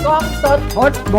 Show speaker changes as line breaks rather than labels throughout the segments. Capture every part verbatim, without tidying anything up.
กล้องสดพดบู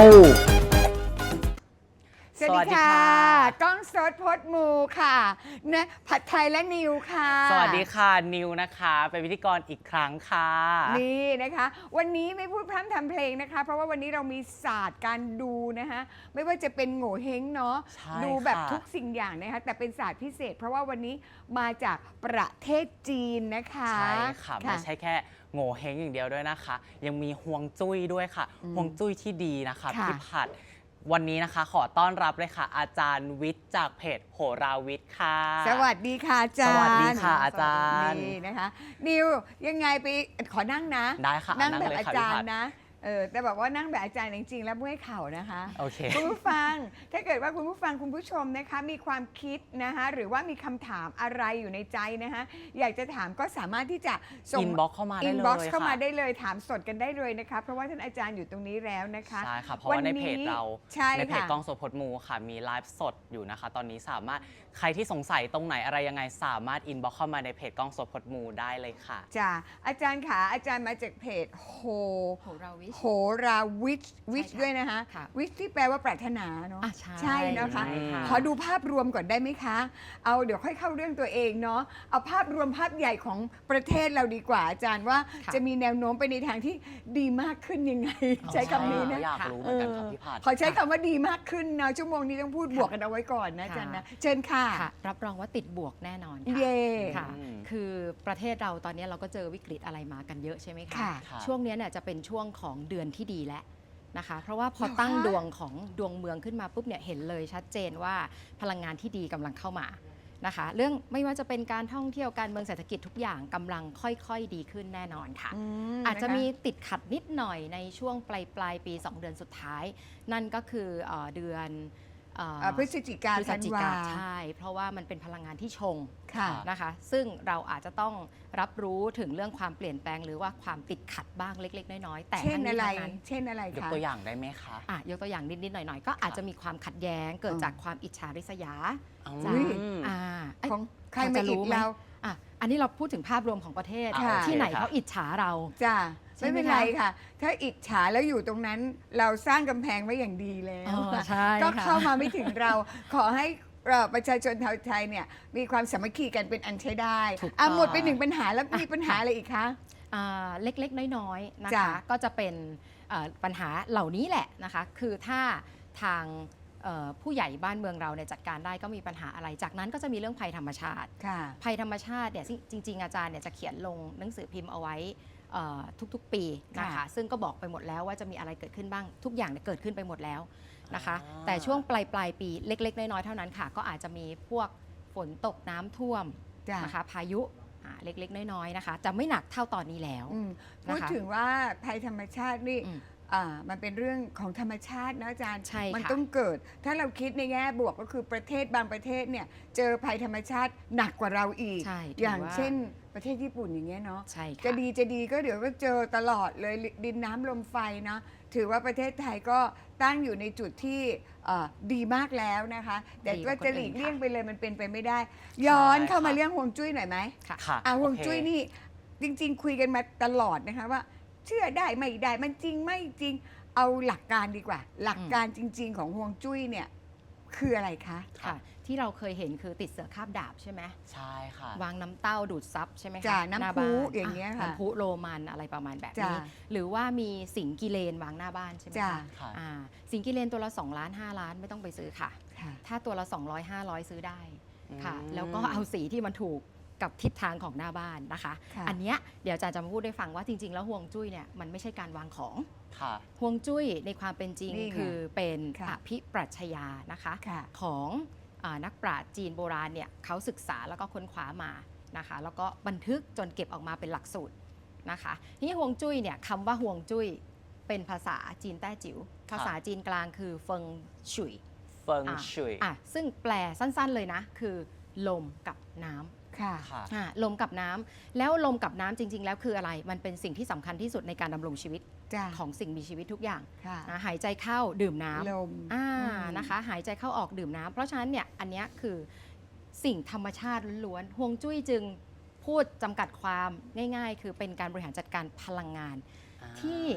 สวัสดีค่ะกล้องสดพดมูค่ะนะผัดไทยและนิวค่ะ
สวัสดีค่ะนิวนะคะเป็นพิธีกรอีกครั้งค่ะ
นี่นะคะวันนี้ไม่พูดพร่ำทำเพลงนะคะเพราะว่าวันนี้เรามีศาสตร์การดูนะคะไม่ว่าจะเป็นโง่เฮงเนาะดูแบบทุกสิ่งอย่างนะคะแต่เป็นศาสตร์พิเศษ เพราะว่าวันนี้มาจากประเทศจีนนะคะ
ใช่ค่ะไม่ใช่แค่โง่เฮงอย่างเดียวด้วยนะคะยังมีฮวงจุ้ยด้วยค่ะฮวงจุ้ยที่ดีนะคะพี่ผัดวันนี้นะคะขอต้อนรับเลยค่ะอาจารย์วิทย์จากเพจโหราวิทย์ค่ะ
สวัสดีค่ะอาจารย์
สวัสดีค่ะอาจารย์
นี่นะคะนิวยังไงไปขอนั่งนะ
ได้ค่ะ
นั่งแบบ
เลย
อา
ค่ะ
จาร
พี่ผั
ย์
ด
นะเออแต่บอกว่านั่งแบบอาจารย์จริงๆแล้วเมื่อยเข่านะคะ
โอเค
คุณผู้ฟังถ้าเกิดว่าคุณผู้ฟังคุณผู้ชมนะคะมีความคิดนะคะหรือว่ามีคำถามอะไรอยู่ในใจนะคะอยากจะถามก็สามารถที่จะส่ง
อินบ็อกเข้ามาได้เลย
อินบ็อกซ์เข้ามา
ค่ะ
ได้เลยถามสดกันได้เลยนะคะเพราะว่าท่านอาจารย์อยู่ตรงนี้แล้วนะคะ
ใช่ค่ะเพราะว่าในเพจเรา
ใช่
ในเพจ
ค่ะ
กล้องสดพดมูค่ะมีไลฟ์สดอยู่นะคะ ตอนนี้สามารถใครที่สงสัยตรงไหนอะไรยังไงสามารถอินบ็อกเข้ามาในเพจกล้องสดพดมูได้เลยค่ะ
จ้าอาจารย์ขาอาจารย์มาจากเพจโฮ
โหราวิช
โหราวิชวิช
ใช่ค่ะ
ด้วยนะคะ
ค่ะ
วิชที่แปลว่าปรารถนาเนาะ
อ่ะใช่
ใช่นะคะ
ใช่ค่ะ
ขอดูภาพรวมก่อนได้ไหมคะ เอาเดี๋ยวค่อยเข้าเรื่องตัวเองเนาะเอาภาพรวมภาพใหญ่ของประเทศเราดีกว่าอาจารย์ว่า
ค่ะ
จะมีแนวโน้มไปในทางที่ดีมากขึ้นยังไง ใช้คำนี้นะ
อยากรู้เหมือนกันค่ะพี่ผัด
ขอใช้คำว่าดีมากขึ้นนะชั่วโมงนี้ต้องพูดบวกกันเอาไว้ก่อนนะอาจารย์นะเชิญค่ะ
ค่ะรับรองว่าติดบวกแน่นอนค่ะ
เย่
ค่ะ
อืม
คือประเทศเราตอนนี้เราก็เจอวิกฤตอะไรมากันเยอะใช่ไหมคะ
ค่ะ
ค่ะ
ช่วงนี้เนี่ยจะเป็นช่วงของเดือนที่ดีแล้วนะคะ เพราะว่าพอ
เหรอคะ
ตั้งดวงของดวงเมืองขึ้นมาปุ๊บเนี่ยเห็นเลยชัดเจนว่าพลังงานที่ดีกำลังเข้ามานะคะ เรื่องไม่ว่าจะเป็นการท่องเที่ยวการเมืองเศรษฐกิจทุกอย่างกำลังค่อยๆดีขึ้นแน่นอนค่ะ
ม
อาจจะ
นค
มีติดขัดนิดหน่อยในช่วงปลายปลายปี สอง เดือนสุดท้าย นั่นก็คือเอ่อเดือนเอ่อ
เอ่อพฤศจิกา
พฤศ
ธัน
จิ
วา
กาใช่ เพราะว่ามันเป็นพลังงานที่ชง
ค่ะ
นะคะ ซึ่งเราอาจจะต้องรับรู้ถึงเรื่องความเปลี่ยนแปลงหรือว่าความติดขัดบ้างเล็ก ๆ น้อยๆแต่
เช่น
ทั้ง
อะไร
นี้ทั้งนั้น
เช่นอะไร
ยก
คะ
ตัวอย่างได้ไหมคะ
อ่ะยกตัวอย่างนิดๆหน่อยๆ ก็อาจจะมีความขัดแย้งเกิดจากความอิจฉาริษยา
อื
จาก
ม
อ่าเอ้ย
ของใคร
พอ
มา
จะ
อี
รู้
ก
ไหม
เรา
อ่ะอันนี้เราพูดถึงภาพรวมของประเทศ
ค่ะ
ที่ไหน
โอเคค่ะ
เขาอิจฉาเรา
จ้า
ใช่
ไม่
ไหม
เป็นไร
คะ
ค่ะ ถ้าอิจฉาแล้วอยู่ตรงนั้นเราสร้างกำแพงไว้อย่างดีแล้ว
อ๋อใช่
ก็
ค่ะ
เข้ามาไม่ถึงเรา ขอให้เอ่อประชาชนชาวไทยเนี่ยมีความสามัคคีกันเป็นอันใช้ได้
ถูก
อ่ะ
ต้อง
หมดไปหนึ่งปัญหาแล้วมีปัญหาอะไรอีกคะ
อ่าเล็กๆ น้อยๆ นะ
จ้ะ
คะ ก็จะเป็นเอ่อปัญหาเหล่านี้แหละนะคะ คือถ้าทางเอ่อผู้ใหญ่บ้านเมืองเราเนี่ยจัดการได้ก็มีปัญหาอะไร จากนั้นก็จะมีเรื่องภัยธรรมชาติ
ค่ะ
ภัยธรรมชาติเนี่ยจริงๆ อาจารย์เนี่ยจะเขียนลงหนังสือพิมพ์เอาไว้เอ่อทุกๆ ปีนะคะ
ค่ะ
ซึ่งก็บอกไปหมดแล้วว่าจะมีอะไรเกิดขึ้นบ้าง ทุกอย่างเนี่ยเกิดขึ้นไปหมดแล้วนะคะ
อ่า
แต่ช่วงปลายปลายๆปีเล็ก ๆ น้อยๆ เท่านั้นค่ะ ก็อาจจะมีพวกฝนตกน้ำท่วม
จ้ะ
นะคะพายุอ่าเล็กๆ น้อยๆ นะคะ จะไม่หนักเท่าตอนนี้แล้ว
อืม
นะคะ
พูดถึงว่าภัยธรรมชาตินี่
อืม
อ่ามันเป็นเรื่องของธรรมชาตินะอาจารย์
ใช่ค่ะ
มันต้องเกิด ถ้าเราคิดในแง่บวกก็คือประเทศบางประเทศเนี่ยเจอภัยธรรมชาติหนักกว่าเราอีก
ใช่ถือ
อย่าง
ว่า
เช่นประเทศญี่ปุ่นอย่างเงี้ยเนาะ
ใช่ค่ะ
จะดีจะดีก็เดี๋ยวก็เจอตลอดเลยดินน้ำลมไฟเนาะถือว่าประเทศไทยก็ตั้งอยู่ในจุดที่เอ่อดีมากแล้วนะคะ แต่
ดีกว่า
ว่าจะหลีก
คนอื่น
เลี่ยง
ค่ะ
ไปเลยมันเป็นไปไม่ได้ ย้อนเข้ามา
ค่ะ
เรื่องฮวงจุ้ยหน่อยไหม
ค่ะ
ค่ะ
อ่ะฮวง
โอเค
จุ้ยนี่จริง ๆ คุยกันมาตลอดนะคะว่า เชื่อได้ไม่ได้มันจริงไม่จริงเอาหลักการดีกว่า หลักการจริง ๆ ของฮวงจุ้ยเนี่ยคืออะไรคะ
ค่ะ ที่เราเคยเห็นคือติดเสือคาบดาบใช่ไหม
ใช่ค่ะ
วางน้ำเต้าดูดซับใช่ไหมคะ
จ้ะน้ำ
ห
พุ
บ้
อย่างเงี้ยค่ะ
น้ำพุโรมันอะไรประมาณแบบ
จ้ะ
นี้ หรือว่ามีสิงกิเลนวางหน้าบ้านใช่ไหม
จ้ะ
คะ
ค่ะ
อ่าสิงกิเลนตัวละสองล้านห้าล้านไม่ต้องไปซื้อค่ะ
ค่ะ
ถ้าตัวละสองร้อย ห้าร้อยซื้อได้ค่ะ
อืม
แล้วก็เอาสีที่มันถูกกับทิศทางของหน้าบ้านนะคะ
ค่ะ
อันเนี้ยเดี๋ยวอาจารย์จะมาพูดให้ฟังว่าจริง ๆ แล้วห่วงจุ้ยเนี่ยมันไม่ใช่การวางของ
ค่ะ
ฮวงจุ้ยในความเป็นจริง
นี่ไง
คือเป็น
ค่ะ
อภิปรัชญานะคะ
ค่ะ
ของอานักปราชญ์จีนโบราณเนี่ยเขาศึกษาแล้วก็ค้นคว้ามานะคะ แล้วก็บันทึกจนเก็บออกมาเป็นหลักสูตรนะคะนี่ฮวงจุ้ยเนี่ยคำว่าฮวงจุ้ยเป็นภาษาจีนแต้จิ๋วภาษาจีนกลางคือเฟิงฉุย
เฟิง
อ่ะ
ชุย
อ่ะซึ่งแปลสั้นๆเลยนะ คือลมกับน้ำ
ค่ะ
ค่ะ
อ่ะลมกับน้ำแล้วลมกับน้ำจริง ๆ แล้วคืออะไรมันเป็นสิ่งที่สำคัญที่สุดในการดำรงชีวิต
จ้ะ
ของสิ่งมีชีวิตทุกอย่าง
ค่ะ
นะหายใจเข้าดื่มน้ำ
ลม
อ่า
อืม
นะคะหายใจเข้าออกดื่มน้ำเพราะฉะนั้นเนี่ยอันเนี้ยคือสิ่งธรรมชาติล้วนๆฮวงจุ้ยจึงพูดจำกัดความง่ายๆ คือเป็นการบริหารจัดการพลังงาน ที่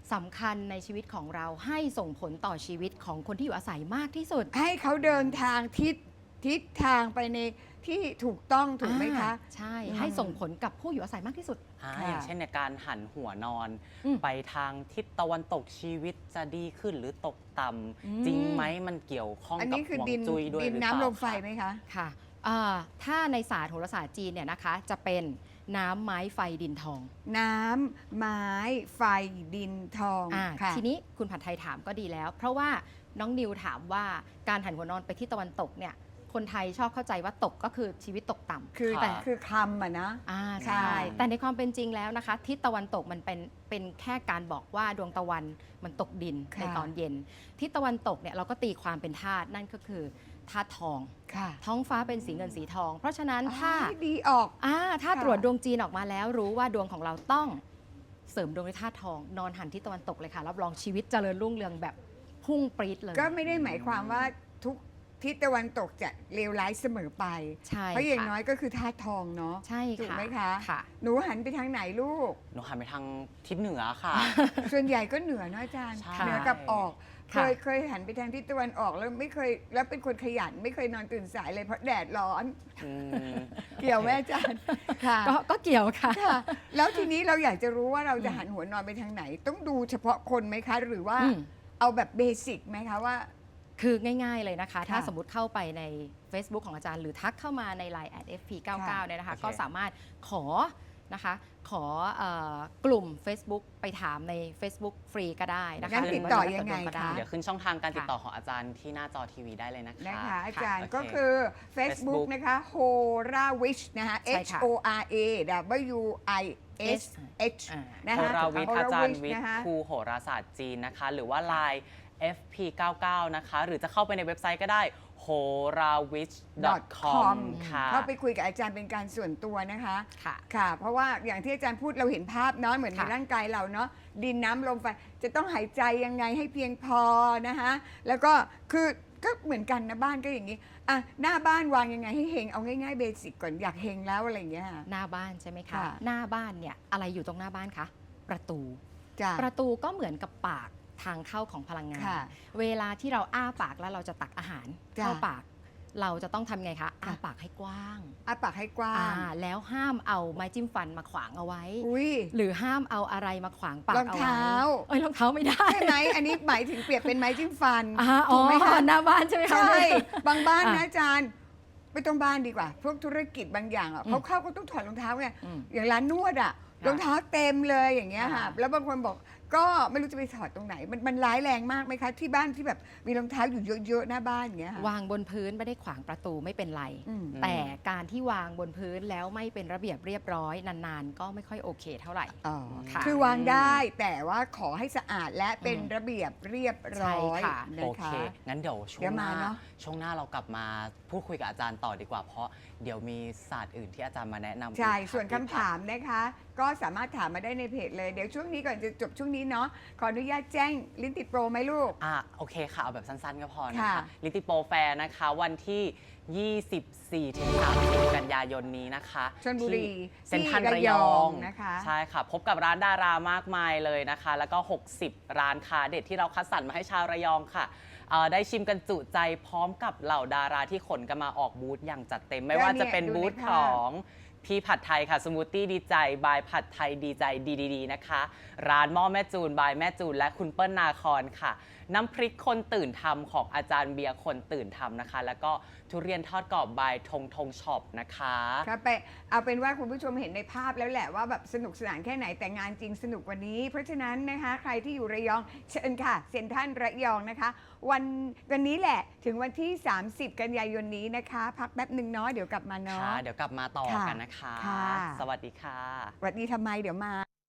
สำคัญในชีวิตของเราให้ส่งผลต่อชีวิตของคนที่อยู่อาศัยมากที่สุด
ให้เขาเดินทางทิศทิศทางไปในที่ถูกต้องถูกไหมคะ
อ่าใช่
อืม
ให้ส่งผลกับผู้อยู่อาศัยมากที่สุด
อ่า
ค่ะ
อย่างเช่นในการหันหัวนอน
อืม
ไปทางทิศตะวันตกชีวิตจะดีขึ้นหรือตกต่
อืม
ำจริงไหมมันเกี่ยวข้อง
อัน
กับ
นี้คือ
ฮวง
ดิน
จุ้ยด้วย
ดิน
หรือเป
น้ำล
ล่าม
ไฟ
คะ
ไหมคะ
ค่ะอ่าถ้าในศาสตร์โหราศาสตร์จีนเนี่ยนะคะจะเป็นน้ำไม้ไฟดินทอง
น้ำไม้ไฟดินทอง
อ่า
ค่ะ
ทีนี้คุณผัดไทยถามก็ดีแล้ว เพราะว่าน้องนิวถามว่าการหันหัวนอนไปที่ตะวันตกเนี่ยคนไทยชอบเข้าใจว่าตกก็คือชีวิตตกต่ำ
คือ
ค่ะ
แต่คือคำอะนะ
อ่า
ใช่
ใช่ แต่ในความเป็นจริงแล้วนะคะทิศตะวันตกมันเป็นเป็นแค่การบอกว่าดวงตะวันมันตกดิน
ค่ะ
ในตอนเย็นทิศตะวันตกเนี่ยเราก็ตีความเป็นธาตุนั่นก็คือธาตุทอง
ค่ะ
ท้องฟ้าเป็นสีเงินสีทอง เพราะฉะนั้นถ้า
อ๋อดีออก
อ่าถ้า
ค่ะ
ตรวจดวงจีนออกมาแล้วรู้ว่าดวงของเราต้องเสริมดวงด้วยธาตุทอง นอนหันทิศตะวันตกเลยค่ะรับรองชีวิตเจริญรุ่งเรืองแบบพุ่งปรี๊ดเลย
ก็ไม่ได้หมายความว่าทุกทิศตะวันตกจะเลวร้ายเสมอไป
ใช่
เพราะอย่าง
ค่ะ
น้อยก็คือธาตุทองเนาะ
ใช่
ถูก
ค่ะ
ไหมคะ
ค่ะ
หนูหันไปทางไหนลูก
หนูหันไปทางทิศเหนือค่ะ
ส่วนใหญ่ก็เหนือเนอะอาจารย์
ใช่
เหนือกับออก เค
ค่ะ
ยเคยหันไปทางทิศตะวันออกแล้วไม่เคยแล้วเป็นคนขยันไม่เคยนอนตื่นสายเลยเพราะแดดร้อน
อืม
เกี่ยวไหมอาจารย์ค่ะ
ก็ก็เกี่ยวค่ะ
ค่ะ แล้วทีนี้เราอยากจะรู้ว่าเราจะหันหัวนอนไปทางไหน ต้องดูเฉพาะคนไหมคะ หรือว่า
อืม
เอาแบบเบสิกไหมคะว่า
คือง่ายๆเลยนะคะ ถ้า
ค่ะ
สมมติเข้าไปใน Facebook ของอาจารย์ หรือทักเข้ามาใน ไลน์ แอท เอฟ พี เก้าสิบเก้า
ค่ะ
เนี่ยนะคะ
โอเค
ก็สามารถขอนะคะขอเอ่อกลุ่ม Facebook ไปถามใน Facebook ฟรีก็ได้นะคะ
งั้น
หรื
ติด
ว่า
ต่อ
จะ
ยังไง
ก็ด้
คะ
เดี๋ยวขึ้นช่องทางการติด
ค่ะ
ต่อของอาจารย์ที่หน้าจอทีวีได้เลยนะคะ
นะคะ อาจารย์
โอเค
ก็คือ Facebook นะคะ Hora Wish นะคะ
ใช่
H
ค่ะ
O R A W I S H
อ่า
นะ
โห
คะ
ราวิทย์อาจารย์วิท
นะ
ย์
คะ
ครูโหราศาสตร์จีนนะคะ หรือว่า ไลน์ เอฟ พี เก้าสิบเก้า นะคะ หรือจะเข้าไปในเว็บไซต์ก็ได้ โหราวิช .com ค่ะ
เข้าไปคุยกับอาจารย์เป็นการส่วนตัวนะคะ
ค่ะ
ค่ะ เพราะว่าอย่างที่อาจารย์พูดเราเห็นภาพเนาะเหมือนใน
ค่ะ
ร่างกายเราเนาะดินน้ำลมไฟจะต้องหายใจยังไงให้เพียงพอนะคะแล้วก็คือก็เหมือนกันนะบ้านก็อย่างนี้อ่ะหน้าบ้านวางยังไงให้เฮงเอาง่ายๆเบสิกก่อนอยากเฮงแล้วอะไรอย่างเงี้ยค่ะ
หน้าบ้านใช่ไหมคะ
ค่ะ
หน้าบ้านเนี่ยอะไรอยู่ตรงหน้าบ้านคะประตู
จ้ะ
ประตูก็เหมือนกับปากทางเข้าของพลังงาน
ค่ะ
เวลาที่เราอ้าปากแล้วเราจะตักอาหาร
จ้ะ
เข้าปาก เราจะต้องทำไงคะอ้า
ค่ะ
ปากให้กว้าง
อ้าปากให้กว้า
อ่าง แล้วห้ามเอาไม้จิ้มฟันมาขวางเอาไว้
อุ้ย
หรือห้ามเอาอะไรมาขวางปาก
รอง
เอาไว้
เท้า
เอ้ยรองเท้าไม่ได้
ใช่ไหมอันนี้หมายถึงเปรียบเป็นไม้จิ้มฟัน
อ่าอ๋
ถู
อก
ไหมคะ
หน้าบ้านใช่ไหมคะ
ใช่บางบ้านนะ
อ่ะ
อาจารย์ไม่ต้องบ้านดีกว่า พวกธุรกิจบางอย่างอ่ะ
อืม
เขาเข้าก็ต้องถอดรองเท้าไง
อืม
อย่างร้านนวดอ่ะ
ค่ะ
รองเท้าเต็มเลยอย่างเงี้ยค่ะ
ค่ะ
แล้วบางคนบอกก็ไม่รู้จะไปถอดตรงไหน มันมันร้ายแรงมากไหมคะ ที่บ้านที่แบบมีรองเท้าอยู่เยอะๆหน้าบ้านอย่างเงี้ยค่ะ
วางบนพื้นไม่ได้ขวางประตูไม่เป็นไร
อืม
แต่การที่วางบนพื้นแล้วไม่เป็นระเบียบเรียบร้อยนานๆ ก็ไม่ค่อยโอเคเท่าไหร่
อ๋อ
ค่ะ
คือวางได้แต่ว่าขอให้สะอาดและเป็น
อืม
ระเบียบเรียบร้อย
ใช่ค่ะ
นะ
โอ
คะ
เค งั้นเดี๋ยวช่ว
เดี๋
ง
ยว
ห
มา
น้า
เนอะ
ช่วงหน้าเรากลับมาพูดคุยกับอาจารย์ต่อดีกว่า เพราะเดี๋ยวมีศาสตร์อื่นที่อาจารย์มาแนะนำ
ใช่
อีก
ส่วนคำ
พี่
ถามนะคะ ก็สามารถถามมาได้ในเพจเลย เดี๋ยวช่วงนี้ก่อนจะจบช่วงนี้เนาะ ขออนุญาตแจ้งลิ้นติดโปรไหมลูก
อ่ะโอเคค่ะ เอาแบบสั้นๆก็พอนะ
ค่ะ
คะลิติโปรแฟร์นะคะ วันที่ ยี่สิบสี่ถึงสามสิบ กันยายนนี้นะคะ
ชลบุรี
ที่เซ็นทรัล
ที่
ระ
ระ
ย
ย
อ
อง งนะคะ
ใช่ค่ะ พบกับร้านดารามากมายเลยนะคะ แล้วก็ หกสิบ ร้านค้าเด็ดที่เราคัดสรรมาให้ชาวระยองค่ะเอ่อได้ชิมกันจุใจพร้อมกับเหล่าดาราที่ขนกันมาออกบูธอย่างจัดเต็ม ไม่ว่าจะเป็นบูธของพี่ผัดไทยค่ะสมูทตี้ดีใจบายผัดไทยดีใจดีดีๆนะคะ ร้านหม้อแม่จูนบายแม่จูนและคุณเปิ้ลนาคอนค่ะ น้ำพริกคนตื่นทำของอาจารย์เบียร์คนตื่นทำนะคะ แล้วก็ทุเรียนทอดกรอบบายทงทงช็อปนะคะ
ครับไปเอาเป็นว่าคุณผู้ชมเห็นในภาพแล้วแหละว่าแบบสนุกสนานแค่ไหนแต่งานจริงสนุกกว่านี้ เพราะฉะนั้นนะคะใครที่อยู่ระยองเชิญค่ะเซ็นทรัลระยองนะคะ วันวันนี้แหละถึงวันที่ สามสิบ กันยายนนี้นะคะ พักแป๊บหนึ่งเนาะเดี๋ยวกลับมาเนาะ
ค่ะ เดี๋ยวกลับมาต่อ
ค่ะ
กันนะคะ
ค่ะ
สวัสดีค่ะ
สวัสดีทำไมเดี๋ยวมา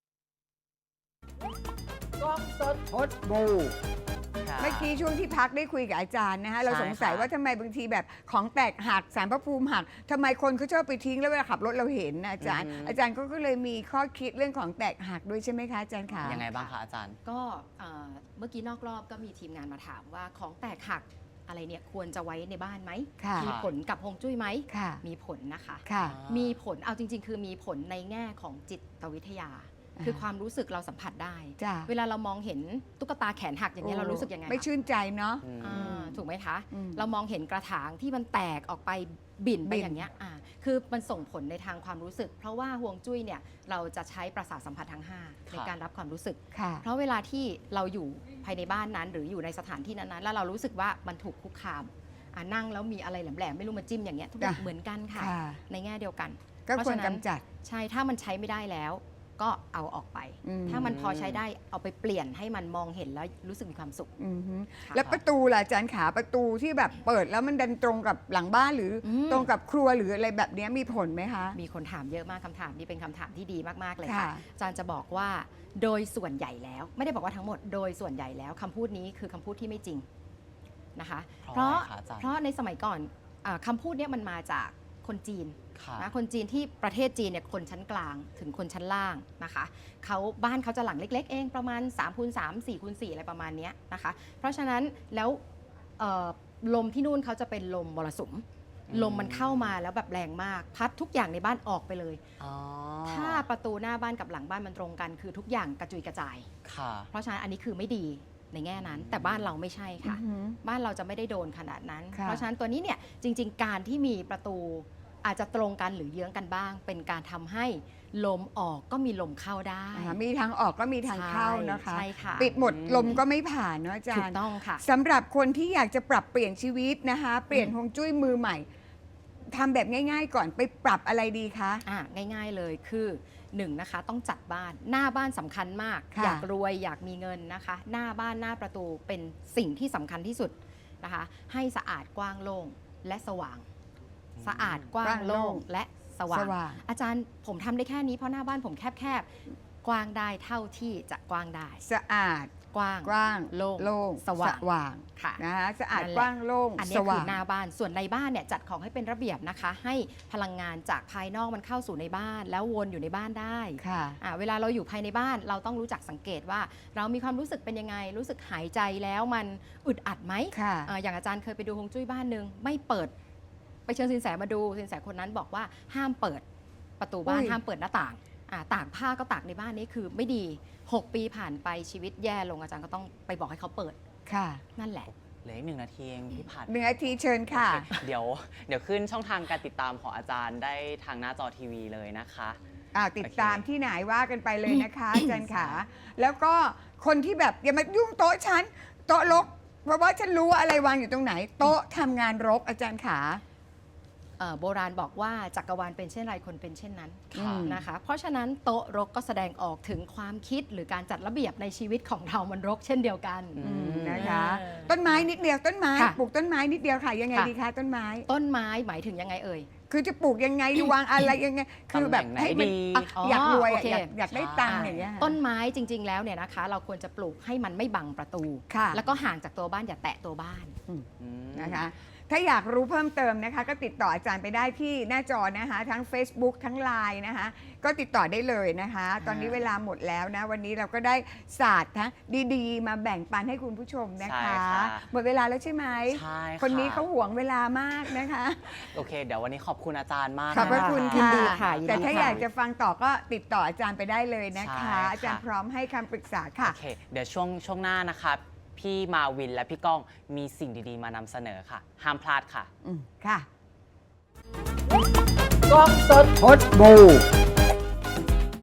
กล้องสดพดบู
เมื่อกี้ช่วงที่พักได้คุยกับอาจารย์นะคะเรา
ใช่
สงสัย
ค่ะ
ว่าทำไมบางทีแบบของแตกหักสารพระภูมิหักทำไมคนเขาชอบไปทิ้งแล้วเวลาขับรถเราเห็นนะอาจารย์ อาจารย์ก็ก็เลยมีข้อคิดเรื่องของแตกหักด้วยใช่ไหมคะอาจารย์คะ
ยังไงบ้างคะอาจารย์
ก็เอ่อเมื่อกี้นอกรอบก็มีทีมงานมาถามว่าของแตกหักอะไรเนี่ยควรจะไว้ในบ้านไหม
ค่ะ
มีผลกับฮวงจุ้ยไหม
ค่ะ
มีผลนะคะ
ค่ะ
มีผลเอาจริง ๆ คือมีผลในแง่ของจิตวิทยาคือความรู้สึกเราสัมผัสได้
จ้ะ
เวลาเรามองเห็นตุ๊กตาแขนหักอย่างนี้ยเรารู้สึกยังไง
ไม่
คะ
ชื่นใจเนาะ
อืม
อ่าถูกไหมคะ
อืม
เรามองเห็นกระถางที่มันแตกออกไปบิ่นไป
บิ่น
อย่างเงี้ยอ่าคือมันส่งผลในทางความรู้สึก เพราะว่าห่วงจุ้ยเนี่ยเราจะใช้ประสาทสัมผัสทั้งห้าในการรับความรู้สึก
ค่ะ
เพราะเวลาที่เราอยู่ภายในบ้านนั้น หรืออยู่ในสถานที่นั้นๆแล้วเรารู้สึกว่ามันถูกคุกคามอ่านั่งแล้วมีอะไรแหลมๆไม่รู้มาจิ้มอย่างเงี้ยทุกอย่าง
จ้ะ
เหมือนกันค่ะ
ค่ะ
ในแง่เดียวกัน
ก็ควร
เพราะฉะนั้น
กำจัด
ใช่ ถ้ามันใช้ไม่ได้แล้ว ก็เอาออกไป
อืม
ถ้ามันพอใช้ได้เอาไปเปลี่ยนให้มันมองเห็นแล้วรู้สึกมีความสุข
อือฮึ
ค่ะ
แล้วประตูล่ะอาจารย์ขาประตูที่แบบเปิดแล้วมันดันตรงกับหลังบ้านหรืออ
ม
ตรงกับครัวหรืออะไรแบบเนี้ยมีผลไหมคะ
มีคนถามเยอะมากคำถามนี้เป็นคำถามที่ดีมาก ๆ เลย
ค่ะ
ค่ะอาจารย์จะบอกว่าโดยส่วนใหญ่แล้ว ไม่ได้บอกว่าทั้งหมดโดยส่วนใหญ่แล้วคำพูดนี้คือคำพูดที่ไม่จริงนะคะ
เพราะ
เพราะ
อะไรคะอาจารย์
เพราะในสมัยก่อนอาคำพูดเนี้มันมาจากคนจีน
ค่ะ
นะคนจีนที่ประเทศจีนเนี่ยคนชั้นกลางถึงคนชั้นล่างนะคะเขาบ้านเขาจะหลังเล็ก ๆ เองประมาณ3คูณสาม สี่คูณสี่อะไรประมาณเนี้ยนะคะเพราะฉะนั้นแล้วเอ่อลมที่นู่นเขาจะเป็นลมมรสุม
อืม
ลมมันเข้ามาแล้วแบบแรงมาก พัดทุกอย่างในบ้านออกไปเลย
อ๋อ
ถ้าประตูหน้าบ้านกับหลังบ้านมันตรงกัน คือทุกอย่างกระจุยกระจาย
ค่ะ
เพราะฉะนั้นอันนี้คือไม่ดีในแง่นั้น แต่บ้านเราไม่ใช่ค่ะ
อือฮึ
บ้านเราจะไม่ได้โดนขนาดนั้น
ค่ะ
เพราะฉะนั้นตัวนี้เนี่ยจริง ๆ การที่มีประตูอาจจะตรงกันหรือเยื้องกันบ้าง เป็นการทำให้ลมออกก็มีลมเข้าได้
อ่ามีทางออกก็มีทางเข้านะคะ
ใช่ค่ะ
ปิดหมด
อืม
ลมก็ไม่ผ่านเนาะอาจา
ถู
ร
ก
ย์
ต้องค่ะ
สำหรับคนที่อยากจะปรับเปลี่ยนชีวิตนะคะ เปลี่ยน
อืม
ฮวงจุ้ยมือใหม่ทำแบบง่าย ๆ ก่อนไปปรับอะไรดีคะ
อ่ะง่ายๆเลยคือหนึ่งนะคะต้องจัดบ้านหน้าบ้านสำคัญมาก
ค่ะ
อยากรวยอยากมีเงินนะคะ หน้าบ้านหน้าประตูเป็นสิ่งที่สำคัญที่สุดนะคะ ให้สะอาดกว้างโล่งและสว่าง สะอาดกว้างโล่งและสว่าง
สว่าง
อาจารย์ผมทำได้แค่นี้เพราะหน้าบ้านผมแคบๆ กว้างได้เท่าที่จะกว้างได้
สะอาด
กว้าง
กว้าง
โล่ง
โล่ง
สว่าง
ว่าง
ค่ะ
นะคะสะอาด
นั่นแหละ
กว้างโล่ง
อันนี้
ส
คื
ว่า
อง หน้าบ้านส่วนในบ้านเนี่ยจัดของให้เป็นระเบียบนะคะ ให้พลังงานจากภายนอกมันเข้าสู่ในบ้าน แล้ววนอยู่ในบ้านได้
ค่ะ
อ่าเวลาเราอยู่ภายในบ้านเราต้องรู้จักสังเกตว่า เรามีความรู้สึกเป็นยังไง รู้สึกหายใจแล้วมันอึดอัดไหม
ค่ะ
อ่าอย่างอาจารย์เคยไปดูฮวงจุ้ยบ้านหนึ่งไม่เปิด ไปเชิญสินแสมาดูสินแสคนนั้นบอกว่าห้ามเปิดประตูบ้าน
อุ้ย
ห้ามเปิดหน้าต่างอ่าตากผ้าก็ตากในบ้านนี่คือไม่ดีหกปีผ่านไปชีวิตแย่ลงอาจารย์ก็ต้องไปบอกให้เขาเปิด
ค่ะ
นั่นแหละ
เหลืออีกหนึ่งนาทีเองพี่ผัด
หนึ่งนาทีเชิญค่ะ
โอเคเดี๋ยวเดี๋ยวขึ้นช่องทางการติดตามของอาจารย์ได้ทางหน้าจอทีวีเลยนะคะ
อ่าติด
โอเค
ตามที่ไหนว่ากันไปเลยนะคะ อาจารย์ขาแล้วก็คนที่แบบอย่ามายุ่งโต๊ะฉันโต๊ะรก เพราะว่าฉันรู้ว่าอะไรวางอยู่ตรงไหน โต๊ะทำงานรกอาจารย์ขา
เอ่อโบราณบอกว่าจักรวาลเป็นเช่นไรคนเป็นเช่นนั้น
ค่ะ
นะคะ เพราะฉะนั้นโต๊ะรกก็แสดงออกถึงความคิดหรือการจัดระเบียบในชีวิตของเรามันรกเช่นเดียวกัน
อื
อืม
ม
นะคะ
เออ
ต้นไม้นิดเดียวต้นไม้
ค่ะ
ปลูกต้นไม้นิดเดียวค่ะยังไง
ค่ะ
ดีคะต้นไม้
ต้นไม้หมายถึงยังไงเอ่ย
คือจะปลูกยังไงดีวางอะไรยังไง คือแบบให้มัน
ตำแหน่งไหนดี
อ่ะ
อ๋อ
อยากรวย
โอ
อ่ะ
เค
อยากอยากได้ตังค์
ใช่
อย่างเงี้ยค่ะ
ต้นไม้จริง ๆ แล้วเนี่ยนะคะ เราควรจะปลูกให้มันไม่บังประตู
ค่ะ
แล้วก็ห่างจากตัวบ้านอย่าแตะตัวบ้าน
อืม
นะคะถ้าอยากรู้เพิ่มเติมนะคะ ก็ติดต่ออาจารย์ไปได้ที่หน้าจอนะคะ ทั้ง Facebook ทั้ง ไลน์ นะคะ ก็ติดต่อได้เลยนะคะ ตอนนี้เวลาหมดแล้วนะ วันนี้เราก็ได้ศาสตร์นะดีๆ มาแบ่งปันให้คุณผู้ชมนะ
ใช่
คะ
ค่ะ
หมดเวลาแล้วใช่ไหม
ใช่ค่ะ
คนนี้เขาหวงเวลามากนะคะ
โอเค เดี๋ยววันนี้ขอบคุณอาจารย์มาก
ขอบพระ
น
คุณ
ยิน
ค่ะ
ดีค่ะยินดี
แต่ถ้า
ค่ะ
อยากจะฟังต่อก็ติดต่ออาจารย์ไปได้เลยนะ
ใช่
คะ
ค่ะ
อาจารย์พร้อมให้คำปรึกษาค่ะ
โอเค เดี๋ยวช่วงช่วงหน้านะคะพี่มาวินและพี่ก้องมีสิ่งดีๆ มานำเสนอค่ะ ห้ามพลาดค่ะ
อืมค่ะ
กล้องสดพดบู